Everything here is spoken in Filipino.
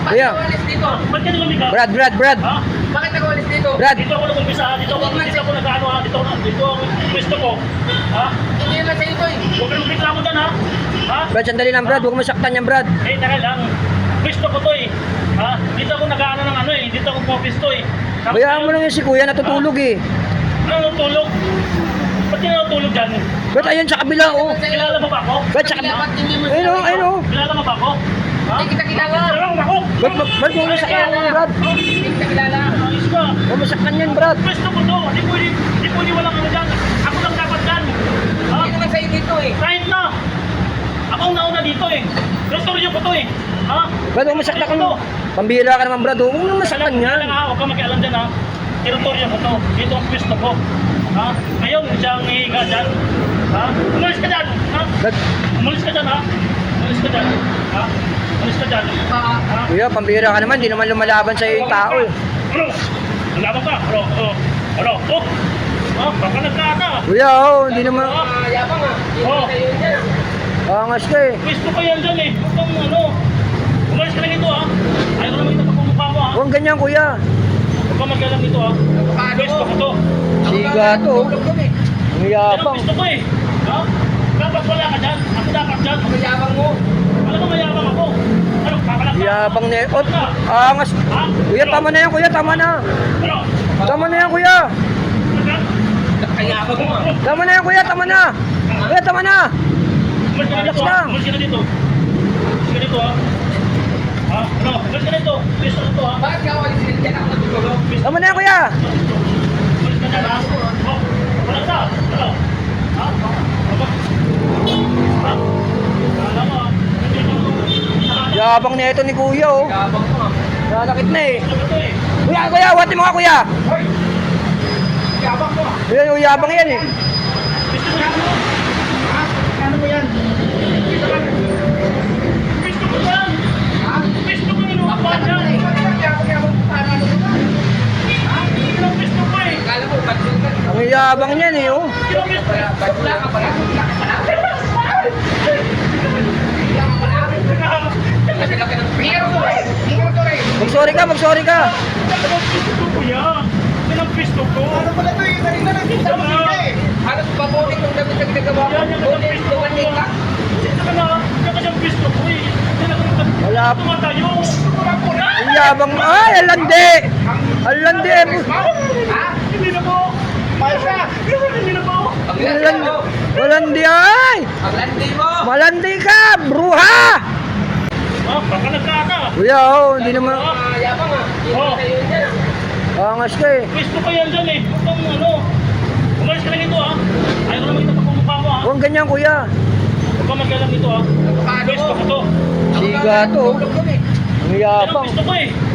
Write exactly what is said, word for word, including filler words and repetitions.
Kuya. Alis dito. Ba't ka nagumika? Brad, Brad, Brad. Ha? Bakit ako alis dito? Brad. Dito ako nag-umpisa, dito ako, dito ako nag-ano ha, dito ako, dito ang pwesto ko. Ha? Hindi naman sa ito eh. Huwag ka nang reklamo dyan ha? Ha? Brad, sandali lang, Brad. Huwag mo masaktan yan, Brad. Eh, tara lang. Pwesto ko to eh. Ha? Dito ako nag-ano ng ano eh, dito ako pumisto eh. Tapos Bayaan mo ngayon, lang yung si Kuya, natutulog eh. Ano natulog? Ba't ka natulog dyan? Brad, ayun sa kabila, oh. Kilala mo ba ako? Brad, sa kabila. Ba't hindi mo Ayun, oh, ayun, oh. Kilala mo ba ako? Ha? Hindi kita kilala. Kilala mo ba ako? Brad, Brad, Brad, huwag mo masaktan yan, Brad. Hindi kita kilala. Ayos ka. Huwag mo masaktan yan, Brad. Pwesto ko to. Di pwede, di pwede walang ano dyan. Ako lang dapat dyan. Ha? Hindi naman sa dito eh. Kahit na. Ako ang nauna dito eh. Restoryo ko to eh. Ha? Brad, huwag mo masaktan ka. Ito. Pambira ka naman, Brad. Huwag mo masaktan Kailangan yan. kailangan ha. Huwag ka makialam dyan ha. Teritoryo ko to. Dito ang pwesto ko. Ha? Ngayon, siyang hihiga dyan. Ha? Umalis ka dyan. Ha? Brad, Umalis ka dyan ha. Umalis ka dyan. Ha? Umalis ka dyan. Ah, Ha? Kuya, pambira ka naman. Di naman lumalaban sa'yo yung tao eh. Ano? Nalaban ka? Ano? Ano? Ano? Oh! Oh, baka nagkata. Kuya, oh, hindi naman. ah, yabang ah. Hindi Oh. naman sa iyo dyan. Angas ka eh. Pwesto ko yan dyan eh. Huwag kang ano. Umalis ka lang ito ha. Ayaw ko naman kita pagmumukha mo ha. Huwag ganyan, Kuya. Huwag ka magkalam dito ha. Avocado Pwesto ko to. Siga to. Tulog kami. Ang Yan ang yabang. pwesto ko eh. Ha? Dapat wala ka dyan. Ako dapat dyan. Ang yabang mo. Alam mo mayabang ako. Ano? Kakalak ka? Yabang na eh. Oh, angas. Ha? Kuya, tama na yan, Kuya. Tama na. Ano? Tama na yan, Kuya. Kayabang mo ah. Tama na yan, Kuya. Tama na. Kuya, tama na. Umalis ka na dito Relax ha. lang. Umalis ka na dito. Umalis ka dito ha. Ha? Ano? Umalis ka na dito. Pwesto ko to ha. Bakit ka alis dito dyan? Ako natutulog. Tama na yan, Kuya. Umalis ka na ha. Oh, wala ka. Ano? Ha? Ano? Ha? Kala mo ha. Hindi ko Yabang na ito ni Kuya, oh. Yabang mo ah. Lalakit na eh. Gusto ko to eh. Kuya, Kuya, wati mo ka, Kuya. Hoy! Yabang mo ah. Kuya, yung yabang yan eh. Gusto ko yan. Ha? Ano mo yan? Gusto ko Gusto ko yan. Ha? Gusto ko yung Bakit lupa ka dyan. Yabang yabang mo. Paano ano mo ba? Ha? Yun ang gusto ko eh. Akala mo, ba't yung ka? Ang yabang niyan eh, oh. Yun ang gusto ko. Bakla ka pala? Bakla ka pala? Bakla ka pala? Laki-laki ng piro to eh. Piro to eh. Mag-sorry ka, mag-sorry ka. Yan ang gusto ko yan. Yan ang gusto ko. Ano pala to eh? Kanina nakita mo sila eh. Halos pabonik yung damit na ginagawa mo. Yan yung Bonik, gusto ko. dumating ka. Sino ka na? Yan kasi ang gusto ko eh. Yan ang Wala. tumatayo. Ang yabang. Ay, alandi. Alandi. Ha? Hindi na po. Paisa! Hindi na po. Ang landi Alandi. mo! Alandi, ay. Ang landi mo! Malandi ka, bruha. Ah, baka nagkata. Kuya, oh, hindi naman. Ah, yabang ah. Hindi Oh. sa iyo dyan ah. Angas ka eh. Gusto ko yan dyan eh. Huwag kang ano. Umalis ka lang ito ha. Ayaw ko naman kita pagmumukha mo ha. Huwag ganyan, Kuya. Huwag ka magkalam dito ha. Avocado Gusto ko mo. to. Siga to. Tulog kami. Ang Yan ang yabang. gusto ko eh.